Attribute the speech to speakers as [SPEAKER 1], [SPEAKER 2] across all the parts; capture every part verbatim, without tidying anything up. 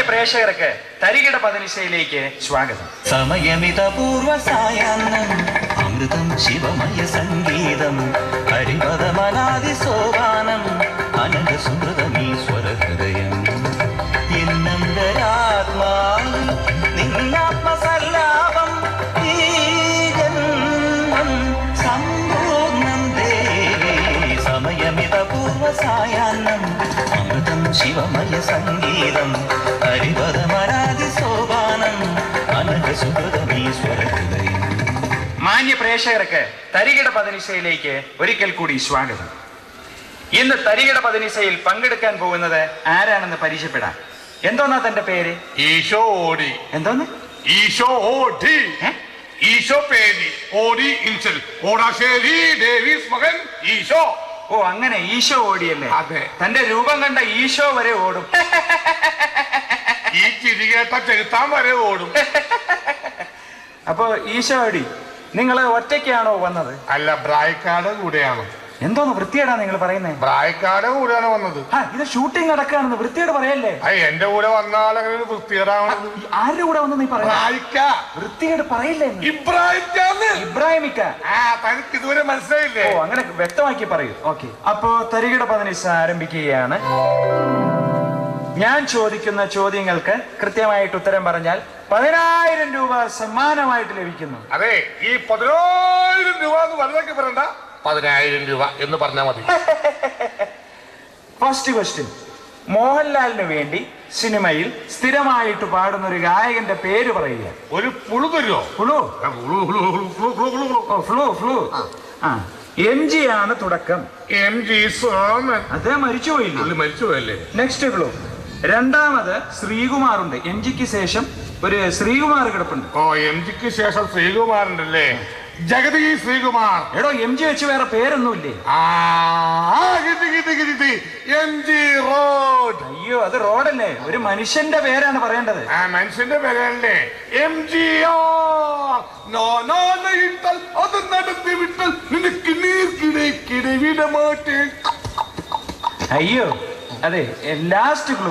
[SPEAKER 1] പ്രേക്ഷകർക്ക് തരികിട പതിനിശയിലേക്ക് സ്വാഗതം.
[SPEAKER 2] സമയമിത പൂർവ സായാഹ്നം അമൃതം ശിവമയ സംഗീതം ഹരിപദമനാദി സോപാനം അനന്ത സുമൃതമീശ്വര ഹൃദയം എന്നന്തരാത്മാവ് നിന്നാത്മസല്ലാപം ഈ ജന്മം സമ്പൂർണം ദേവി. സമയമിത പൂർവ സായാഹ്നം അമൃതം ശിവമയ സംഗീതം ഹരിപദമനാദി സോപാനം അനന്ത സുമൃതമീശ്വര ഹൃദയം.
[SPEAKER 1] മാന്യ പ്രേക്ഷകർക്ക് തരികിട പതിനിശയിലേക്ക് ഒരിക്കൽ കൂടി സ്വാഗതം. ഇന്ന് തരികിട പതിനിശയിൽ പങ്കെടുക്കാൻ പോകുന്നത് ആരാണെന്ന് പരിചയപ്പെടാം. എന്തോന്നാ തന്റെ പേര്?
[SPEAKER 3] ഈശോ ഓടി.
[SPEAKER 1] എന്തോന്ന്?
[SPEAKER 3] ഈശോ ഓടി. ഈശോ പേരി ഓടി ഇൻസൽ ഓടാശ്ശേരി ഡേവിസ് മകൻ ഈശോ.
[SPEAKER 1] ഓ, അങ്ങനെ ഈശോ ഓടിയല്ലേ?
[SPEAKER 3] അതെ.
[SPEAKER 1] തന്റെ രൂപം കണ്ട ഈശോ വരെ ഓടും.
[SPEAKER 3] ഈ ചിരികേട്ട ചെലുത്താൻ വരെ ഓടും.
[SPEAKER 1] അപ്പൊ ഈശോ ഓടി. നിങ്ങള് ഒറ്റയ്ക്കാണോ വന്നത്?
[SPEAKER 3] അല്ല, ബ്രായ്ക്കാട് കൂടെയാണ്.
[SPEAKER 1] എന്തോന്ന് വൃത്തിയേടാ നിങ്ങൾ പറയുന്നേ?
[SPEAKER 3] ബ്രായ്ക്കാട് കൂടെയാണ് വന്നത്.
[SPEAKER 1] ആ, ഇത് ഷൂട്ടിംഗ് നടക്കാണെന്ന് വൃത്തിയോട് പറയല്ലേ?
[SPEAKER 3] അയ്യ, എന്റെ കൂടെ വന്നാലെങ്ങനെ വൃത്തികേടാവണത്?
[SPEAKER 1] ആരുടെ കൂടെ വന്ന് നീ പറയാ? വൃത്തികേട് പറയില്ലേ?
[SPEAKER 3] ഇബ്രാഹിം
[SPEAKER 1] ഇബ്രാഹിമിക്ക.
[SPEAKER 3] ആ, തനിക്ക് ഇതുവരെ മനസ്സിലായില്ലേ?
[SPEAKER 1] ഓ, അങ്ങനെ വ്യക്തമാക്കി പറയൂ. ഓക്കെ, അപ്പോ തരികിട പതിനിശ ആരംഭിക്കുകയാണ്. ഞാൻ ചോദിക്കുന്ന ചോദ്യങ്ങൾക്ക് കൃത്യമായിട്ട് ഉത്തരം പറഞ്ഞാൽ പതിനായിരം രൂപ സമ്മാനമായിട്ട് ലഭിക്കുന്നു.
[SPEAKER 3] അതെ, ഈ പതിനായിരം രൂപ എന്ന് വലുതൊക്കെ പറയണ്ട, പതിനായിരം രൂപ എന്ന് പറഞ്ഞാൽ മതി.
[SPEAKER 1] First question. മോഹൻലാലിന് വേണ്ടി സിനിമയിൽ സ്ഥിരമായിട്ട് പാടുന്ന ഒരു ഗായകന്റെ പേര് പറയുക.
[SPEAKER 3] ഒരു പുളു തരുമോ?
[SPEAKER 1] ഫ്ലൂ. ഓ, ഫ്ലൂ ഫ്ലൂ. ആ, എം ജി ആണ് തുടക്കം.
[SPEAKER 3] M G Soman.
[SPEAKER 1] അദ്ദേഹം മരിച്ചുപോയില്ലേ?
[SPEAKER 3] മരിച്ചുപോയല്ലേ?
[SPEAKER 1] Next clue. രണ്ടാമത് ശ്രീകുമാറുണ്ട്. എം ജിക്ക് ശേഷം ഒരു ശ്രീകുമാർ കിടപ്പുണ്ട്.
[SPEAKER 3] ഓ, എം ജിക്ക് ശേഷം ശ്രീകുമാറുണ്ടല്ലേ? ജഗതി ശ്രീകുമാർ.
[SPEAKER 1] എടോ, എം ജി വെച്ച് വേറെ പേരൊന്നുമില്ലേ?
[SPEAKER 3] M G road.
[SPEAKER 1] അയ്യോ, അത് റോഡല്ലേ, ഒരു മനുഷ്യന്റെ പേരാണ് പറയേണ്ടത്.
[SPEAKER 3] ആ, മനുഷ്യന്റെ പേരല്ലേ? M G R. അത് നടത്തി വിട്ടാൽ നിനക്ക് നീർക്കിടക്കിടെ വിടമാറ്റേ.
[SPEAKER 1] അയ്യോ, അതെ, ലാസ്റ്റ് ക്ലൂ.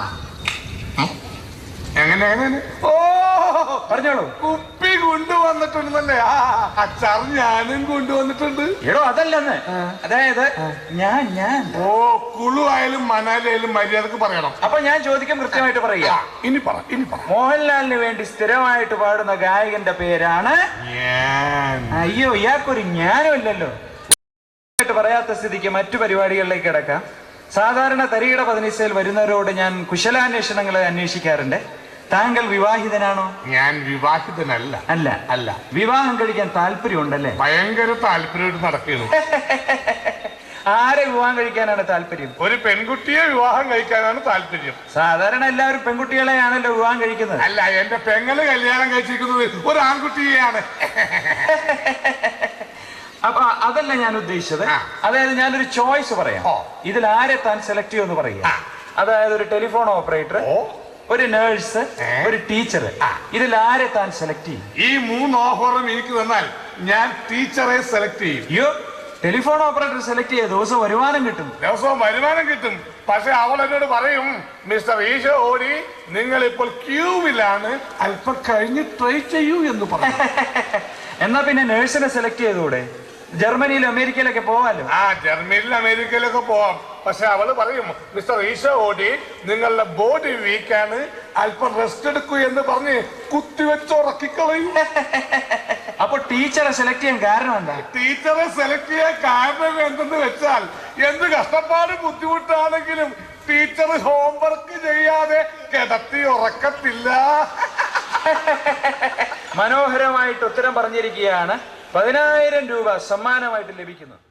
[SPEAKER 3] എങ്ങനെ എങ്ങനെ? ഓ,
[SPEAKER 1] പറഞ്ഞോളൂ.
[SPEAKER 3] കുപ്പി കൊണ്ടുവന്നിട്ടുണ്ടല്ലേ? ആ, അച്ചാർ ഞാനും കൊണ്ടുവന്നിട്ടുണ്ട്.
[SPEAKER 1] എടോ, അതല്ലെന്ന്. അതായത് ഞാൻ ഞാൻ
[SPEAKER 3] ഓ, കുളു ആയാലും മണാലായാലും മര്യാദക്ക് പറയണം.
[SPEAKER 1] അപ്പൊ ഞാൻ ചോദിക്കാൻ കൃത്യമായിട്ട് പറയാ.
[SPEAKER 3] ഇനി പറ ഇനി പറ
[SPEAKER 1] മോഹൻലാലിന് വേണ്ടി സ്ഥിരമായിട്ട് പാടുന്ന ഗായകന്റെ പേരാണ്
[SPEAKER 3] ഞാൻ.
[SPEAKER 1] അയ്യോ, ഇയാൾക്കൊരു ജ്ഞാനം ഇല്ലല്ലോ. പറയാത്ത സ്ഥിതിക്ക് മറ്റു പരിപാടികളിലേക്ക് കിടക്കാം. സാധാരണ തരികിട പതിനിശയിൽ വരുന്നവരോട് ഞാൻ കുശലാന്വേഷണങ്ങളെ അന്വേഷിക്കാറുണ്ട്. താങ്കൾ വിവാഹിതനാണോ?
[SPEAKER 3] ഞാൻ വിവാഹിതനല്ല.
[SPEAKER 1] അല്ല
[SPEAKER 3] അല്ല.
[SPEAKER 1] വിവാഹം കഴിക്കാൻ താല്പര്യമുണ്ടല്ലേ?
[SPEAKER 3] ഭയങ്കര താല്പര്യമായിട്ട് നടക്കുന്നു.
[SPEAKER 1] ആരെ വിവാഹം കഴിക്കാനാണ് താല്പര്യം?
[SPEAKER 3] ഒരു പെൺകുട്ടിയെ വിവാഹം കഴിക്കാനാണ് താല്പര്യം.
[SPEAKER 1] സാധാരണ എല്ലാവരും പെൺകുട്ടികളെയാണല്ലോ വിവാഹം കഴിക്കുന്നത്.
[SPEAKER 3] അല്ല, എന്റെ പെങ്ങള് കല്യാണം കഴിച്ചിരിക്കുന്നത് ഒരു ആൺകുട്ടിയെയാണ്.
[SPEAKER 1] അപ്പൊ അതല്ല ഞാൻ ഉദ്ദേശിച്ചത്. അതായത് ഞാനൊരു ചോയ്സ് പറയാം. ഇതിൽ ആരെ താൻ സെലക്ട് ചെയ്യുമെന്ന് പറയുക. അതായത് ഒരു ടെലിഫോൺ ഓപ്പറേറ്റർ, ഒരു നേഴ്സ്, ഒരു ടീച്ചർ. ഇതിൽ ആരെ താൻ സെലക്ട് ചെയ്യും?
[SPEAKER 3] ഈ മൂന്ന് ഓഫറും എനിക്ക് തന്നാൽ ഞാൻ ടീച്ചറെ സെലക്ട് ചെയ്യും.
[SPEAKER 1] അയ്യോ, ടെലിഫോൺ ഓപ്പറേറ്റർ സെലക്ട് ചെയ്ത ദിവസം വരുമാനം കിട്ടും.
[SPEAKER 3] ദിവസവും വരുമാനം കിട്ടും. പക്ഷെ അവൾ എന്നോട് പറയും, മിസ്റ്റർ ഈശോ ഓടി, നിങ്ങൾ ഇപ്പോൾ ക്യൂവിലാണ്, അല്പം കഴിഞ്ഞ് ട്രൈ ചെയ്യൂ എന്ന് പറയും.
[SPEAKER 1] എന്നാ പിന്നെ നേഴ്സിനെ സെലക്ട് ചെയ്തുകൂടെ? ജർമ്മനിയിലും അമേരിക്കയിലൊക്കെ പോവാലോ.
[SPEAKER 3] ആ, ജർമ്മനിയിലും അമേരിക്കയിലൊക്കെ പോവാം. പക്ഷെ അവള് പറയും, മിസ്റ്റർ ഈശോ ഓടി, നിങ്ങളുടെ ബോഡി വീക്കാണ്, അല്പം റെസ്റ്റ് എടുക്കൂ എന്ന് പറഞ്ഞ് കുത്തിവെച്ച് ഉറക്കിക്കളയും.
[SPEAKER 1] അപ്പൊ ടീച്ചറെ സെലക്ട് ചെയ്യാൻ കാരണം എന്താ?
[SPEAKER 3] ടീച്ചറെ സെലക്ട് ചെയ്യാൻ കാരണം എന്തെന്ന് വെച്ചാൽ, എന്ത് കഷ്ടപ്പാട് ബുദ്ധിമുട്ടാണെങ്കിലും ടീച്ചർ ഹോംവർക്ക് ചെയ്യാതെ കിടത്തി ഉറക്കത്തില്ല.
[SPEAKER 1] മനോഹരമായിട്ട് ഉത്തരം പറഞ്ഞിരിക്കുകയാണ്. പതിനായിരം രൂപ സമ്മാനമായിട്ട് ലഭിക്കുന്നു.